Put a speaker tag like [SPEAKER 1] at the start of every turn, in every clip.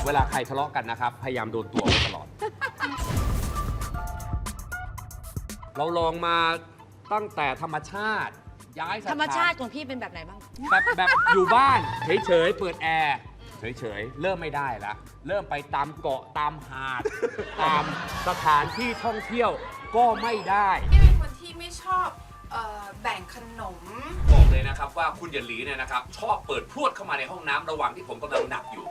[SPEAKER 1] เวลาใครทะเลาะกันนะครับพยายามโดนตัวไว้ตลอด เราลองมาตั้งแต่ธรรมชาติย้ายสถาน
[SPEAKER 2] ธรรมชาติของพี่เป็นแบบไหนบ้าง
[SPEAKER 1] แบบอยู่บ้านเฉยๆเปิดแอร์เฉยๆเริ่มไม่ได้ละเริ่มไปตามเกาะตามหาด ตามสถานที่ท่องเที่ยวก็ไม่ได้
[SPEAKER 3] พี่เป็นคนที่ไม่ชอบแบ่งขนม
[SPEAKER 1] บอกเลยนะครับว่าคุณหยันหลีเนี่ยนะครับชอบเปิดพรวดเข้ามาในห้องน้ำระหว่างที่ผมกำลังหนักอยู่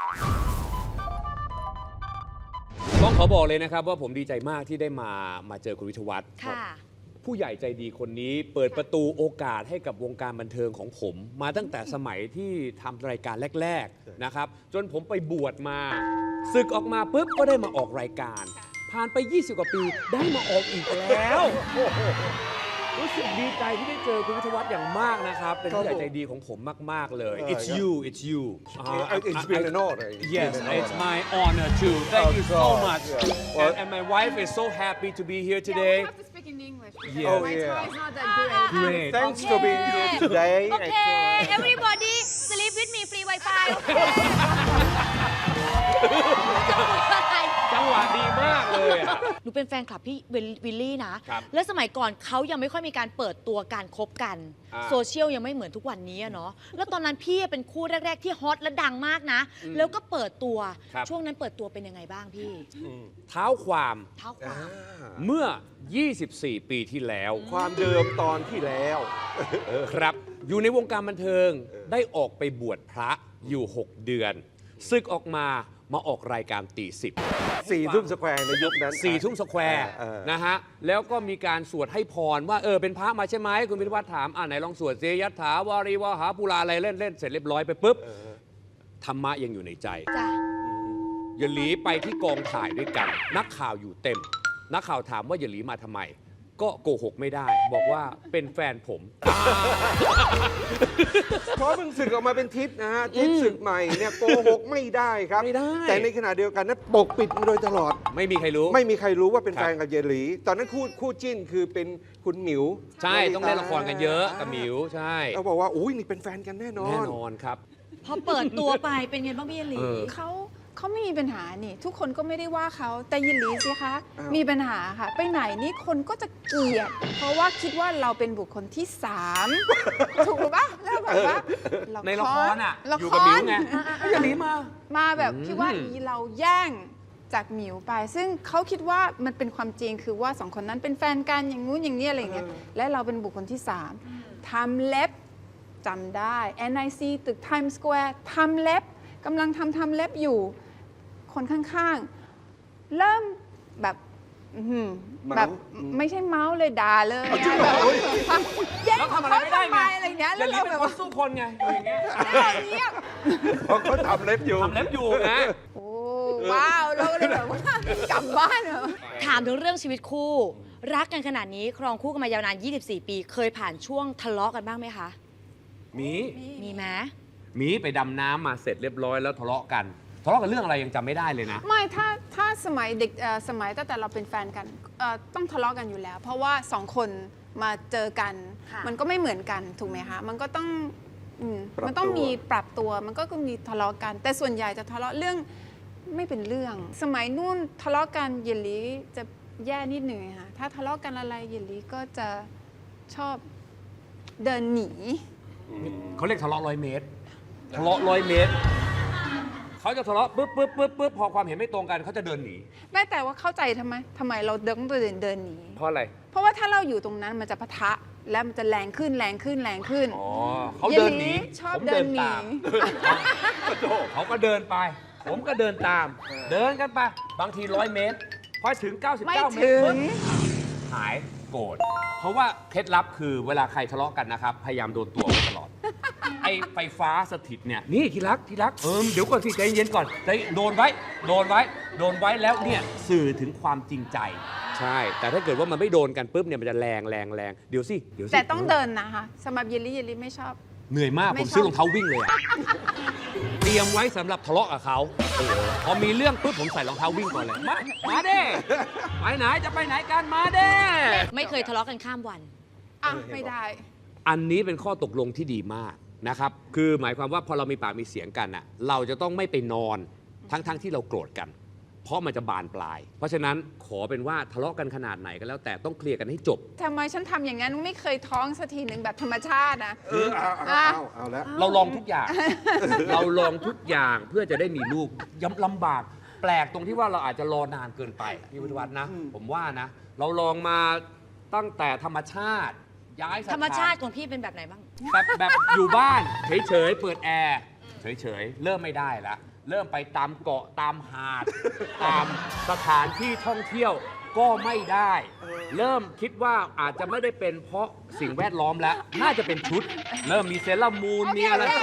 [SPEAKER 1] ต้องขอบอกเลยนะครับว่าผมดีใจมากที่ได้มาเจอคุณวิทยวัฒน์
[SPEAKER 2] ค่ะ
[SPEAKER 1] ผู้ใหญ่ใจดีคนนี้เปิดประตูโอกาสให้กับวงการบันเทิงของผม มาตั้งแต่สมัยที่ทำรายการแรกๆนะครับจนผมไปบวชมาศึกออกมาปุ๊บก็ได้มาออกรายการ ผ่านไป 20 กว่าปีได้มาออกอีกแล้วรู้สึกดีใจที่ได้เจอคุณวิทยวัฒน์อย่างมากนะครับเป็นผู้ใหญ่ใจดีของผมมากๆเลย It's you it's you
[SPEAKER 4] It's been an honor.
[SPEAKER 1] Yes, it's my honor too. Thank you so
[SPEAKER 4] Oh,
[SPEAKER 1] much.
[SPEAKER 4] yeah. Well-
[SPEAKER 1] And my wife is so happy to be here today.
[SPEAKER 3] Yeah, we have to speak in English.
[SPEAKER 1] Yeah.
[SPEAKER 4] Oh,
[SPEAKER 3] My
[SPEAKER 4] yeah.
[SPEAKER 3] Thai is not that good.
[SPEAKER 1] Great.
[SPEAKER 4] Thanks for being here today.
[SPEAKER 2] โอเค everybody sleep with me free wifi โอเค
[SPEAKER 1] จังหวะดีมากเลยอะ
[SPEAKER 2] หนูเป็นแฟนคลับพี่วิลลี่นะ
[SPEAKER 1] ครับ
[SPEAKER 2] และสมัยก่อนเขายังไม่ค่อยมีการเปิดตัวการคบกัน
[SPEAKER 1] อ่า
[SPEAKER 2] โซเชียลยังไม่เหมือนทุกวันนี้อะเนาะ แล้วตอนนั้นพี่เป็นคู่แรก ๆ ที่ฮอตและดังมากนะ แล้วก็เปิดตัว
[SPEAKER 1] ครับ
[SPEAKER 2] ช่วงนั้นเปิดตัวเป็นยังไงบ้างพี่
[SPEAKER 1] เท้าความ
[SPEAKER 2] เท้าความ
[SPEAKER 1] เมื่อ 24 ปีที่แล้ว
[SPEAKER 4] ความเดิมตอนที่แล้ว
[SPEAKER 1] ครับ อยู่ในวงการบันเทิงได้ออกไปบวชพระอยู่ 6 เดือนศึกออกมาออกรายการตีสิบ
[SPEAKER 4] 4 ทุ่มสแควร์ในยุคนั้น
[SPEAKER 1] 4 ทุ่มสแควร์ นะฮะ แล้วก็มีการสวดให้พรว่าเป็นพระมาใช่ไหมคุณพิทวัฒน์ถามไหนลองสวดเซยัตถาวารีวหาปุราอะไรเล่นเสร็จเรียบร้อยไปปุ๊บธรรมะยังอยู่ในใจ
[SPEAKER 2] จ้ะ
[SPEAKER 1] อย่าหลีไปที่กองถ่ายด้วยกัน นักข่าวอยู่เต็ม นักข่าวถามว่าอย่าหลีมาทำไม ก็โกหกไม่ได้ บอกว่าเป็นแฟนผม
[SPEAKER 4] เพราะเพิ่งศึกออกมาเป็นทิศนะฮะ ทิศศึกใหม่เนี่ยโกหกไม่ได้ครับ
[SPEAKER 1] ไม่ได้
[SPEAKER 4] แต่ในขณะเดียวกันนั้นปกปิดมาโดยตลอด
[SPEAKER 1] ไม่มีใครรู้
[SPEAKER 4] ไม่มีใครรู้ว่าเป็น
[SPEAKER 1] ครับ
[SPEAKER 4] แฟนกับเยหลี ตอนนั้นคู่จิ้นคือเป็นคุณหมิว
[SPEAKER 1] ใช่ต้องเล่นละครกันเยอะกับหมิวใช่
[SPEAKER 4] เราบอกว่าอุ้ยนี่เป็นแฟนกันแน่นอน
[SPEAKER 1] แน่นอนครับ
[SPEAKER 2] พอเปิดตัวไปเป็นไงบ้างพี่ยลี
[SPEAKER 1] เออ
[SPEAKER 3] เขาไม่มีปัญหานี่ ทุกคนก็ไม่ได้ว่าเขาแต่ยินหลีสิคะ
[SPEAKER 4] อ้าว
[SPEAKER 3] มีปัญหาค่ะ ไปไหนนี่คนก็จะเกลียด เพราะว่าคิดว่าเราเป็นบุคคลที่ 3 ถูกหรือปะแล้วแบบว่า
[SPEAKER 1] ในละครอ่ะ
[SPEAKER 3] ละ
[SPEAKER 1] อยู่
[SPEAKER 3] ค
[SPEAKER 1] กับหมิว
[SPEAKER 3] ร
[SPEAKER 1] ไงอย่าหลีมา
[SPEAKER 3] มาแบบคิดว่าเราแย่งจากหมิวไป ซึ่งเขาคิดว่ามันเป็นความจริงคือว่าสองคนนั้นเป็นแฟนกันอย่างงู้นอย่างนี้อะไรอย่างเงี้ยและเราเป็นบุคคลที่ 3ทำเล็บจำได้ NIC ตึก Times Square ทำเล็บกำลังทำเล็บอยู่ คนข้างๆ เริ่มแบบอื้อหือแบบไม่ใช่เมาส์เลยด่าเลยอะแบบแย่ง
[SPEAKER 1] แล้ว
[SPEAKER 3] ของ
[SPEAKER 1] ทำอะไร
[SPEAKER 3] เขา
[SPEAKER 1] ไม่ได้
[SPEAKER 3] ทำ
[SPEAKER 1] ไง
[SPEAKER 3] ไมอะไรอย่างเงี้ย
[SPEAKER 1] อ
[SPEAKER 3] แล้
[SPEAKER 1] ย่าว หลี
[SPEAKER 3] เรา
[SPEAKER 1] เป็น
[SPEAKER 3] แบบ
[SPEAKER 1] คน
[SPEAKER 3] ว่า
[SPEAKER 1] สู้คนไงอย่างเงี้ย
[SPEAKER 3] อย่างเงี้ย
[SPEAKER 4] เพราะเขาทำเล็บอยู่
[SPEAKER 1] ทำเล็บอยู่นะ
[SPEAKER 3] โอ้ว้าวเราก็เลยแบบว่ากลับบ้านเหรอ
[SPEAKER 2] ถามถึงเรื่องชีวิตคู่ รักกันขนาดนี้ครองคู่กันมายาวนาน 24 ปี เคยผ่านช่วงทะเลาะกันบ้างไหมคะ
[SPEAKER 1] มี
[SPEAKER 2] มีไหม
[SPEAKER 1] ไปดำน้ำมาเสร็จเรียบร้อยแล้วทะเลาะกันเรื่องอะไรยังจำไม่ได้เลยนะ
[SPEAKER 3] ไม่ถ้าสมัยเด็กสมัยตั้งแต่เราเป็นแฟนกันต้องทะเลาะกันอยู่แล้ว เพราะว่าสองคนมาเจอกัน
[SPEAKER 2] ค่ะ
[SPEAKER 3] มันก็ไม่เหมือนกันถูกไหมคะมันก็ต้อง
[SPEAKER 4] ปรับตัว
[SPEAKER 3] มันต้องมีปรับตัวมันก็มีทะเลาะกัน แต่ส่วนใหญ่จะทะเลาะเรื่องไม่เป็นเรื่อง สมัยนู่นทะเลาะกันเยลลีจะแย่นิดหนึ่งค่ะถ้าทะเลาะกันอะไรเยลลีก็จะชอบเดินหนี
[SPEAKER 1] เขาเรียกทะเลาะ100 เมตร ทะเลาะ100 เมตร เขาจะทะเลาะปุ๊บพอความเห็นไม่ตรงกันเขาจะเดินหนี
[SPEAKER 3] ไม่แต่ว่าเข้าใจทำไมเราต้องเดินหนี
[SPEAKER 1] เพราะอะไร
[SPEAKER 3] เพราะว่าถ้าเราอยู่ตรงนั้นมันจะปะทะแล้วมันจะแรงขึ้น
[SPEAKER 1] อ๋อเขาเดินหนี
[SPEAKER 3] เยลลี่ชอบ
[SPEAKER 1] ผม
[SPEAKER 3] เดินหนี
[SPEAKER 1] ตามเขาก็เดินไป ผมก็เดินตาม เดินกันไป บางที100 เมตร พอถึง 99
[SPEAKER 3] ไม่
[SPEAKER 1] เมตร
[SPEAKER 3] ถึ
[SPEAKER 1] ปุ๊บ
[SPEAKER 3] ง
[SPEAKER 1] หายโกรธ เพราะว่าเคล็ดลับคือเวลาใครทะเลาะกันนะครับ พยายามโดนตัวไว้ตลอด ไอ้ไฟฟ้าสถิตเนี่ย นี่ที่รักเดี๋ยวก่อนสิใจเย็นก่อนใจโดนไว้แล้วเนี่ยสื่อถึงความจริงใจ ใช่ แต่ถ้าเกิดว่ามันไม่โดนกันปุ๊บเนี่ยมันจะแรงเดี๋ยวสิ
[SPEAKER 3] แต่ต้องเดินนะคะสำหรับเยลลี่ไม่ชอบ
[SPEAKER 1] เหนื่อยมาก
[SPEAKER 3] ไม่
[SPEAKER 1] ผมซื้อ
[SPEAKER 3] ชอบ
[SPEAKER 1] รองเท้าวิ่งเลยอะ เตรียมไว้สำหรับทะเลาะกับเขาพอมีเรื่องปุ๊บผมใส่รองเท้าวิ่งก่อนเลย มาเด้ไปไหนจะไปไหนกันมาเด้
[SPEAKER 2] ไม่เคยทะเลาะกันข้ามวัน
[SPEAKER 3] อ่ะไม่ได้
[SPEAKER 1] อันนี้เป็นข้อตกลงที่ดีมากนะครับ คือหมายความว่าพอเรามีปากมีเสียงกันอะเราจะต้องไม่ไปนอนทั้งที่เราโกรธกัน เพราะมันจะบานปลาย เพราะฉะนั้นขอเป็นว่าทะเลาะกันขนาดไหนก็แล้วแต่ต้องเคลียร์กันให้จบ
[SPEAKER 3] ทำไมฉันทำอย่างนั้นไม่เคยท้องสักทีหนึ่งแบบธรรมชาตินะ
[SPEAKER 4] เอาแล้ว
[SPEAKER 1] เราลองทุกอย่าง เราลองทุกอย่างเพื่อจะได้มีลูกย้ำลำบาก แปลกตรงที่ว่าเราอาจจะรอนานเกินไปพี่วิทยวัฒน์นะ ผมว่านะ เราลองมาตั้งแต่ธรรมชาติ ย้ายสถาน
[SPEAKER 2] ธรรมชาติของพี่เป็นแบบไหนบ้าง
[SPEAKER 1] แบบอยู่บ้านเฉยๆเปิดแอร์เฉยๆเริ่มไม่ได้แล้วเริ่มไปตามเกาะตามหาด ตามสถานที่ท่องเที่ยวก็ไม่ได้ เริ่มคิดว่าอาจจะไม่ได้เป็นเพราะสิ่งแวดล้อมแล้ว น่าจะเป็นชุด เริ่มมีเซรามูนมีอะไร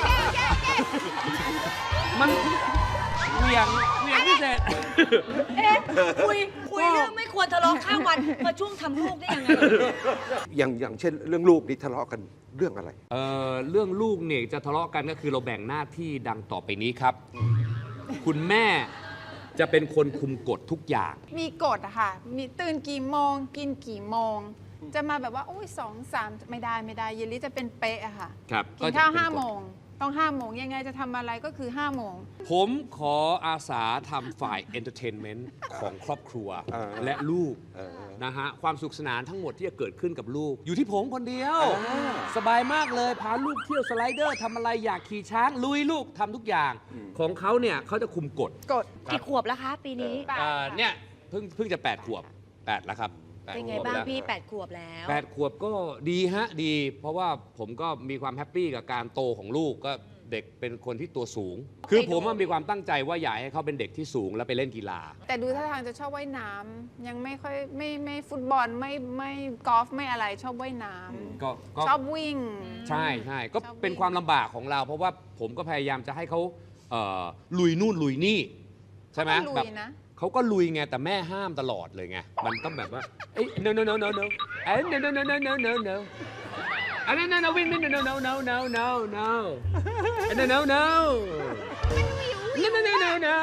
[SPEAKER 1] มันเหวี่ยงพิเศษ
[SPEAKER 2] คุยเรื่องไม่ควรทะเลาะข้ามวันมาช่วงทำลูกได้ยังไง
[SPEAKER 4] อย่างเช่นเรื่องลูกนี่ทะเลาะกันเรื่องอะไร
[SPEAKER 1] เรื่องลูกเนี่ยจะทะเลาะกันก็คือเราแบ่งหน้าที่ดังต่อไปนี้ครับ คุณแม่จะเป็นคนคุมกฎทุกอย่าง
[SPEAKER 3] มีกฎอะค่ะ มีตื่นกี่โมง กินกี่โมง จะมาแบบว่าโอ้ย2-3ไม่ได้เยลลี่จะเป็นเป๊ะอะค่ะ
[SPEAKER 1] ครับ
[SPEAKER 3] กินข้าว
[SPEAKER 1] ก็จะเป็นกฎ
[SPEAKER 3] 5 โมง ต้อง5 โมงยังไงจะทำอะไรก็คือ5 โมง
[SPEAKER 1] ผมขออาสาทำฝ่ายเอนเตอร์เทนเมนต์ของครอบครัว และลูกนะฮะความสุขสนานทั้งหมดที่จะเกิดขึ้นกับลูก อยู่ที่ผมคนเดียว สบายมากเลย พาลูกเที่ยวสไลเดอร์ทำอะไรอยากขี่ช้าง ลุยลูกทำทุกอย่าง ของเขาเนี่ยเขาจะคุมกฎ
[SPEAKER 3] กฎ
[SPEAKER 2] กี่ขวบแล้วคะปีนี้
[SPEAKER 1] เนี่ยเพิ่งจะ8 ขวบ 8 แล้วครับ8
[SPEAKER 2] เป็นไง
[SPEAKER 1] ขวบ
[SPEAKER 2] บ้าง
[SPEAKER 1] แล้ว
[SPEAKER 2] พี่8 ขวบแล้ว
[SPEAKER 1] 8 ขวบก็ดีฮะดี เพราะว่าผมก็มีความแฮปปี้กับการโตของลูกก็เด็กเป็นคนที่ตัวสูง คือผมว่ามีความตั้งใจว่าอยากให้เขาเป็นเด็กที่สูงแล้วไปเล่นกีฬา
[SPEAKER 3] แต่ดูท่าทางจะชอบว่ายน้ำยังไม่ค่อยไม่ฟุตบอลไม่กอล์ฟไม่อะไรชอบว่ายน้ำ
[SPEAKER 1] ก็
[SPEAKER 3] ชอบวิ่ง
[SPEAKER 1] ใช่ก็
[SPEAKER 3] ชอบวิ่ง
[SPEAKER 1] เป็นความลำบากของเรา เพราะว่าผมก็พยายามจะให้เขาลุยนู่นลุยนี่ ใช่ไหม
[SPEAKER 3] เขาก็ลุย
[SPEAKER 1] แบบ
[SPEAKER 3] นะ
[SPEAKER 1] เขาก็ลุยไงแต่แม่ห้ามตลอดเลยไงมันต้องแบบว่าเอ้ย no no no no no เอ้ย no no no no no no no อันนั้น no no win no no no no no no no no no no no no no no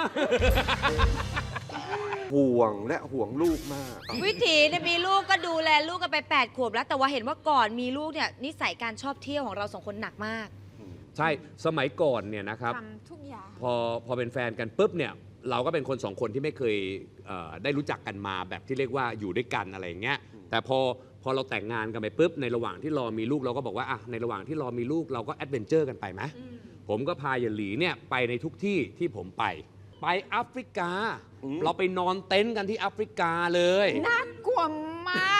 [SPEAKER 4] ห่วงและห่วงลูกมาก
[SPEAKER 2] วิถีเนี่ยมีลูกก็ดูแลลูกกันไป8 ขวบแล้วแต่ว่าเห็นว่าก่อนมีลูกเนี่ยนิสัยการชอบเที่ยวของเรา2 คนหนักมาก
[SPEAKER 1] ใช่สมัยก่อนเนี่ยนะครับ
[SPEAKER 3] ทำทุกอย่าง
[SPEAKER 1] พอเป็นแฟนกันปุ๊บเนี่ยเราก็เป็นคนสองคนที่ไม่เคยได้รู้จักกันมาแบบที่เรียกว่าอยู่ด้วยกันอะไรอย่างเงี้ยแต่พอเราแต่งงานกันไปปุ๊บในระหว่างที่รอมีลูกเราก็บอกว่าอ่ะในระหว่างที่รอมีลูกเราก็แอดเวนเจอร์กันไปไหมผมก็พาเหยนหลีเนี่ยไปในทุกที่ที่ผมไปแอฟริกา เราไปนอนเต็นท์กันที่แอฟริกาเลย
[SPEAKER 3] น่ากลัวมาก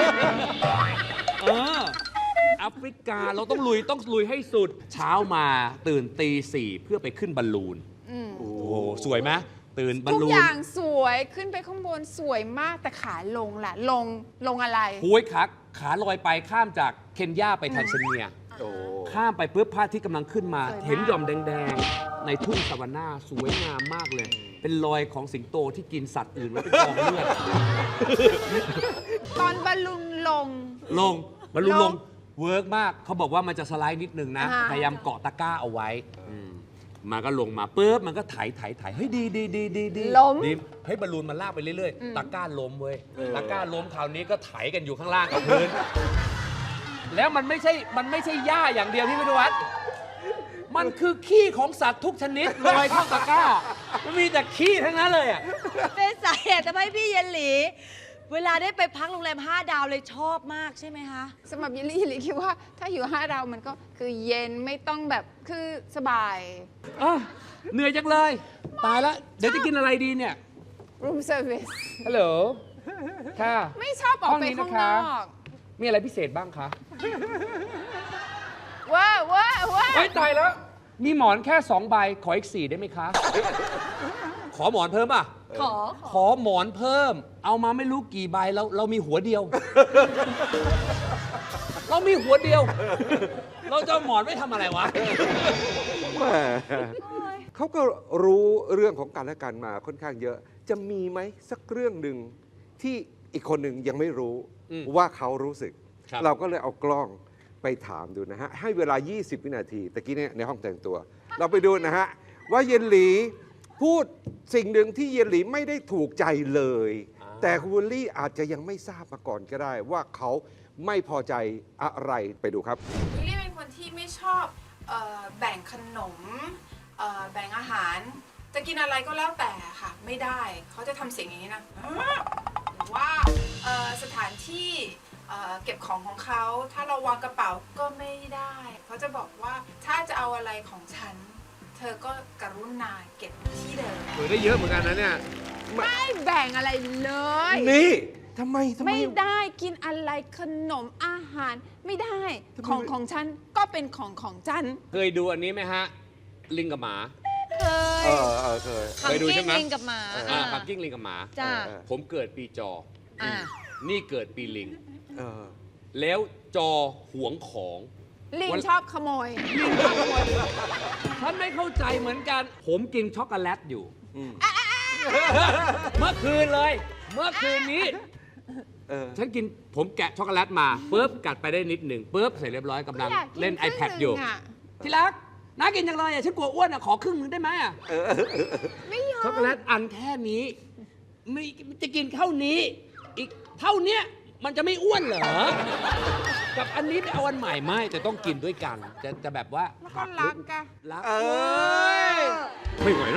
[SPEAKER 1] แอฟริกาเราต้องลุยให้สุดเช้ามาตื่นตี 4เพื่อไปขึ้นบอลลูน โอ้โหสวยไหมตื่นบอล
[SPEAKER 3] ทุก
[SPEAKER 1] ลู
[SPEAKER 3] อน ย่างสวยขึ้นไปข้างบนสวยมากแต่ขาลงล่ะ ลงอะไร
[SPEAKER 1] ห้วยขาลอยไปข้ามจากเคนยาไปแทนซาเนีย
[SPEAKER 4] โอ้
[SPEAKER 1] ข้ามไปปุ๊บพระอาทิตย์กำลังขึ้นมา
[SPEAKER 3] สวยมาก
[SPEAKER 1] เห็นหย่อมแดงๆ ในทุ่งซาวาน่าสวยงามมากเลย เป็นรอยของสิงโตที่กินสัตว์อื่นแล้วเป็นกองเลือด
[SPEAKER 3] ตอนบอลลูนลง
[SPEAKER 1] บอลลูน
[SPEAKER 3] ล
[SPEAKER 1] ล
[SPEAKER 3] ง
[SPEAKER 1] งเวิร์กมากเขาบอกว่ามันจะสไลด์นิดนึงนะ
[SPEAKER 3] อ่า
[SPEAKER 1] พยายามเกาะตะกร้าเอาไว้มันก็ลงมาปุ๊บมันก็ไถเฮ้ยดี
[SPEAKER 3] ล้ม
[SPEAKER 1] ดีเฮ้ยบอลลูนมันลากไปเรื่อยๆตะกร้าล้มเว้ยตะกร้าล้มคราวนี้ก็ไถกันอยู่ข้างล่างกับพื้น แล้วมันไม่ใช่หญ้าอย่างเดียวที่ไม่รู้วัดมันคือขี้ของสัตว์ทุกชนิดลอยเข้าตะกร้า มันมีแต่ขี้ทั้งนั้นเลยอ่ะ
[SPEAKER 2] เป็นสาเหตุทำให้พี่เยนหลี เวลาได้ไปพักโรงแรม5 ดาวเลยชอบมากใช่ไหมคะ
[SPEAKER 3] สำหรับยิลลี่คิดว่าถ้าอยู่5 ดาวมันก็คือเย็นไม่ต้องแบบคือสบาย
[SPEAKER 1] เหนื่อยจังเลย ตายแล้ว เดี๋ยวจะกินอะไรดีเนี่ย
[SPEAKER 3] room service
[SPEAKER 1] ฮัลโหล ค่ะ
[SPEAKER 3] ไม่ชอบออกไป
[SPEAKER 1] ห้องนี้
[SPEAKER 3] ข้าง
[SPEAKER 1] นะคะ
[SPEAKER 3] นอก
[SPEAKER 1] มีอะไรพิเศษบ้างคะ
[SPEAKER 3] ว้า
[SPEAKER 1] เฮ้ย ตายแล้ว มีหมอนแค่ 2 ใบ ขออีก 4 ได้ไหมคะ ขอหมอนเพิ่มอ่ะ ขอหมอนเพิ่ม เอามาไม่รู้กี่ใบเรามีหัวเดียว เรามีหัวเดียว เราจะเอาหมอนไม่ทำอะไรวะ
[SPEAKER 4] แหมเขาก็รู้เรื่องของกันและกันมาค่อนข้างเยอะ จะมีไหมสักเรื่องหนึ่งที่อีกคนหนึ่งยังไม่รู้ ว่าเขารู้สึก
[SPEAKER 1] ครับ
[SPEAKER 4] เราก็เลยเอากล้องไปถามดูนะฮะ ให้เวลา 20 วินาทีตะกี้เนี่ยในห้องแต่งตัว เราไปดูนะฮะ ว่าเยนหลีพูดสิ่งหนึ่งที่เยนหลีไม่ได้ถูกใจเลย แต่คุณวิลลี่อาจจะยังไม่ทราบมาก่อนก็ได้ ว่าเขาไม่พอใจอะไรไปดูครับ
[SPEAKER 3] วิลลี่เป็นคนที่ไม่ชอบแบ่งขนมแบ่งอาหารจะกินอะไรก็แล้วแต่ค่ะ ไม่ได้เขาจะทำเสียงอย่างนี้นะหรือว่าสถานที่เก็บของของเขาถ้าเราวางกระเป๋าก็ไม่ได้เขาจะบอกว่าถ้าจะเอาอะไรของฉัน เธอก็กรุณาเก็บที่เดิม
[SPEAKER 1] เปิดได้เยอะเหมือนกันนะเนี่ย
[SPEAKER 3] ไม่แบ่งอะไรเลย
[SPEAKER 4] นี่ทำไม
[SPEAKER 3] ไม่ได้กินอะไรขนมอาหารไม่ได้ของฉันก็เป็นของฉัน
[SPEAKER 1] เคยดูอันนี้ไหมฮะ ลิงกับหมา
[SPEAKER 2] เคย
[SPEAKER 4] เคย
[SPEAKER 1] เคยดูใช่ไหม
[SPEAKER 2] ลิงกับหมา
[SPEAKER 1] ขับกิ้งลิงกับหมา
[SPEAKER 2] จ้า
[SPEAKER 1] ผมเกิดปีจอ
[SPEAKER 2] อ่า
[SPEAKER 1] นี่เกิดปีลิง
[SPEAKER 4] เออ
[SPEAKER 1] แล้วจอหวงของ
[SPEAKER 3] ลิง
[SPEAKER 1] วัน
[SPEAKER 3] ชอบขโมย
[SPEAKER 1] ฉันไม่เข้าใจเหมือนกัน ผมกินช็อกโกแลตอยู่
[SPEAKER 4] อืม
[SPEAKER 1] เมื่อคืนเลย เมื่อคืนนี้
[SPEAKER 4] เออ
[SPEAKER 1] ฉันกินผมแกะช็อกโกแลตมาปุ๊บกัดไปได้นิดหนึ่งปุ๊บเสร็จเรียบร้อยกำลังเล่น iPad อยู่ ที่รักน้ากินจังเลยอ่ะฉันกลัวอ้วนอ่ะขอครึ่งนึงได้ไหมอ่ะ
[SPEAKER 3] ไม่ยอ
[SPEAKER 1] ช็อก
[SPEAKER 3] ม
[SPEAKER 1] โกแลตอันแค่นี้ไม่จะกินเท่านี้ อีกเท่าเนี้ยมันจะไม่อ้วนเหรอ กับอันนี้ไปเอาอันใหม่ไม่แต่ต้องกินด้วยกัน จะแบบว่า
[SPEAKER 3] แล้วก็รักกะ
[SPEAKER 1] รัก
[SPEAKER 4] เออ
[SPEAKER 1] ไม่ไหวนะ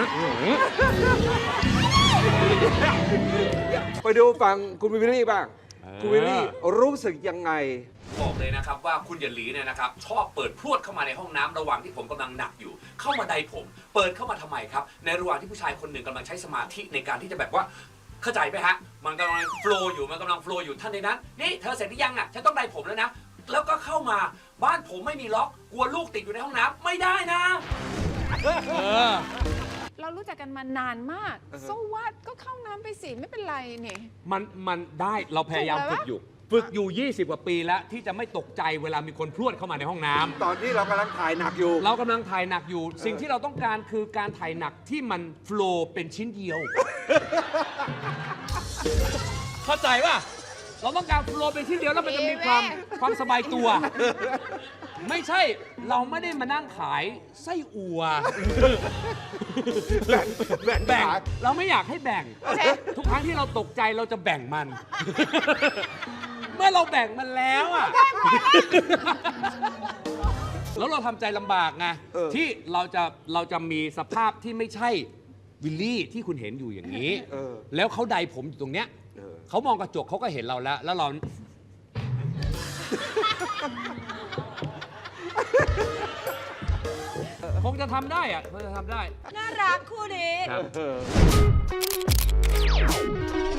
[SPEAKER 4] ไปดูฟังคุณวิลลี่บ้าง คุณวิลลี่รู้สึกยังไง
[SPEAKER 1] บอกเลยนะครับว่าคุณหยันหลีเนี่ยนะครับชอบเปิดพรวดเข้ามาในห้องน้ำระหว่างที่ผมกำลังหนักอยู่ เข้ามาใดผม เปิดเข้ามาทำไมครับ ในระหว่างที่ผู้ชายคนหนึ่งกำลังใช้สมาธิในการที่จะแบบว่าเข้าใจไหมฮะมันกำลังโฟลว์อยู่มันกำลังโฟลว์อยู่ท่านในนั้นนี่เธอเสร็จหรือยังอ่ะฉันต้องใดผมแล้วนะแล้วก็เข้ามาบ้านผมไม่มีล็อกกลัวลูกติดอยู่ในห้องน้ำไม่ได้นะ
[SPEAKER 3] เรารู้จักกันมานานมากโซวัดก็เข้าน้ำไปสิไม่เป็นไรเนี่ย
[SPEAKER 1] มันได้เราพยายาม
[SPEAKER 3] ถูกแล้ว
[SPEAKER 1] ฝึกอยู่ 20 กว่าปีแล้วที่จะไม่ตกใจเวลามีคนพรวดเข้ามาในห้องน้ำ
[SPEAKER 4] ตอนที่เรากำลังถ่ายหนักอยู่
[SPEAKER 1] เรากำลังถ่ายหนักอยู่ สิ่งที่เราต้องการคือการถ่ายหนักที่มันโฟลว์เป็นชิ้นเดียว เข้าใจป่ะ เราต้องการโฟลว์เป็นชิ้นเดียวแล้วมันจะมีความสบายตัว ไม่ใช่เราไม่ได้มานั่งขายไส้อั่ว
[SPEAKER 4] แบ่ง
[SPEAKER 1] เราไม่อยากให้แบ่ง ทุกครั้งที่เราตกใจเราจะแบ่งมัน เมื่อเราแบ่งมันแล้วอ่ะ แล้วเราทำใจลำบากไงที่เราจะมีสภาพที่ไม่ใช่วิลลี่ที่คุณเห็นอยู่อย่างนี้ แล้วเขาใดผมอยู่ตรงเนี้ยเขามองกระจกเขาก็เห็นเราแล้วเรา คงจะทำได้อะคงจะทำได้
[SPEAKER 2] น่ารักคู่นี้
[SPEAKER 1] ครับ